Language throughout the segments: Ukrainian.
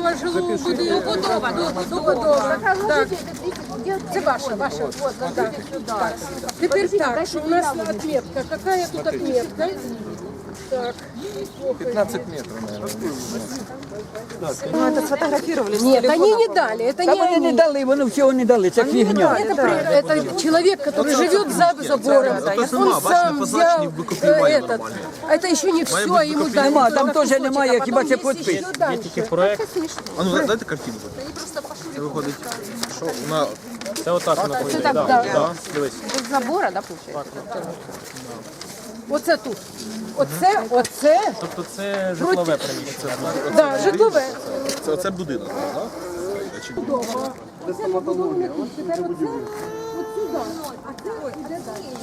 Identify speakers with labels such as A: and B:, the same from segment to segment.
A: отримала жилу будинку. Добудова. Так. Це ваша. Вот, так. Так. Теперь так, что у нас отметка. Какая тут отметка? Так.
B: 15 метров, наверное.
C: Ну, это сфотографировали.
A: Нет, они не дали. Это не
D: Вони не
A: они.
D: дали, вони всього не дали, це фігня.
A: Это человек, который живет за забором. Он сам взял этот. Это еще не все, ему дали.
D: Нема, там теж немає, хіба це підпис.
B: Є тільки проект. А ну дайте картинку. Це виходить, що вона... Це отак вона виходить. Да. Дивись.
C: Без забора, да, получается?
A: Оце тут. Оце.
E: Тобто це житлове приміщення.
A: Да, житлове.
B: Це будинок, так?
A: Оце побудоване тут. Тепер оце, от сюди. А це іде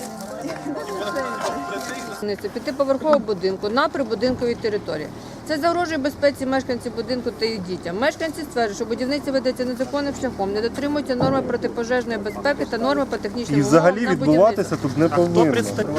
A: далі.
C: Це п'ятиповерхового будинку на прибудинковій території. Це загрожує безпеці мешканців будинку та їх дітям. Мешканці стверджують, що будівництво ведеться незаконним шляхом, не дотримуються норми протипожежної безпеки та норми по технічним
F: І
C: вимогам
F: взагалі
C: на
F: відбуватися тут не повинно.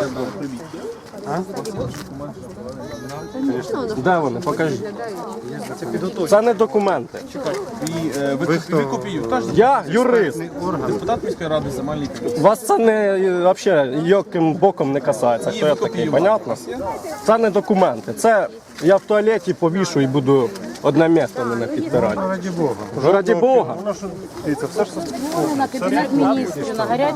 E: Де вони? Покажіть. Це не документи.
B: Ви копіюєте?
E: Я юрист.
B: Депутат міської ради земельний комітет.
E: Вас це не взагалі яким боком не касається. Хто я такий, понятно? Це не документи. Це я в туалеті повішу і буду одне місце мене підбирати.
F: Раді Бога.
E: Раді Бога.
F: Воно що, дивіться, все ж
C: На кабінет міністрів, на гарячу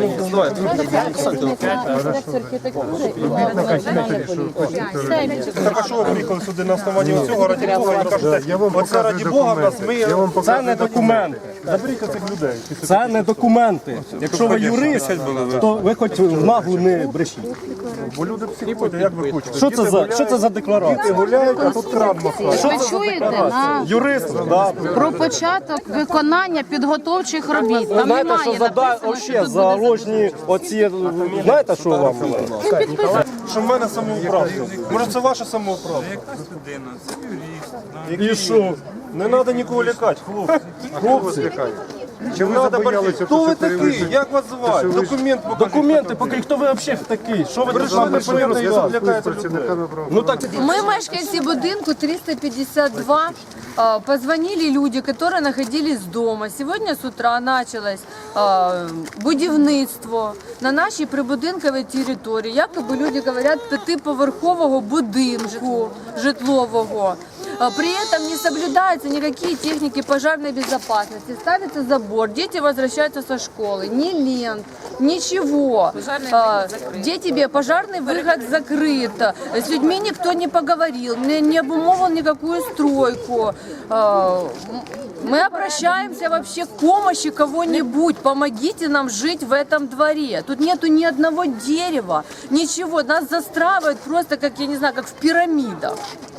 F: так, а що ви приїхали сюди на основанні цього раді Бога і кажете, оце раді Бога в нас, ми...
E: Це не документи.
F: Заберіть цих людей.
E: Це не документи. Якщо ви юрист, то ви хоч в наглу не брешіть.
F: Бо люди психують, як ви хочете.
E: Що це за декларація?
F: Діти гуляють, а тут кран махає.
G: Ви чуєте на
E: Юрист, да.
G: про початок виконання підготовчих робіт?
E: Ви
G: Там
E: знаєте,
G: немає
E: що
G: написано, що
E: за
G: тут
E: за
G: буде
E: ложні оці, знаєте, що вам?
F: Що в мене самоуправство. Може це ваше самоуправство?
E: І що?
F: Не треба нікого лякати, хлопці. Хлопці. Чи ви забоялися? Хто ви такий? Як вас звати? Документ покажіть.
E: Документи, поки хто ви взагалі такий? Що ви тут
F: Прийшли,
E: нами
F: непонятно,
E: повинні
F: як лякаєте людей.
E: Ну так,
C: Мы, мешканцы будинку 352, позвонили люди, которые находились дома. Сегодня с утра началось будівництво на нашій прибудинковій території. Якоби люди говорять, п'ятиповерхового будинку житлового. При этом не соблюдаются никакие техники пожарной безопасности. Ставится забор, дети возвращаются со школы, ни лент, ничего. Дети, пожарный выход закрыт, с людьми никто не поговорил, не обумовил никакую стройку. Мы обращаемся вообще к помощи кого-нибудь, помогите нам жить в этом дворе. Тут нету ни одного дерева, ничего, нас застраивают просто, как, я не знаю, как в пирамидах.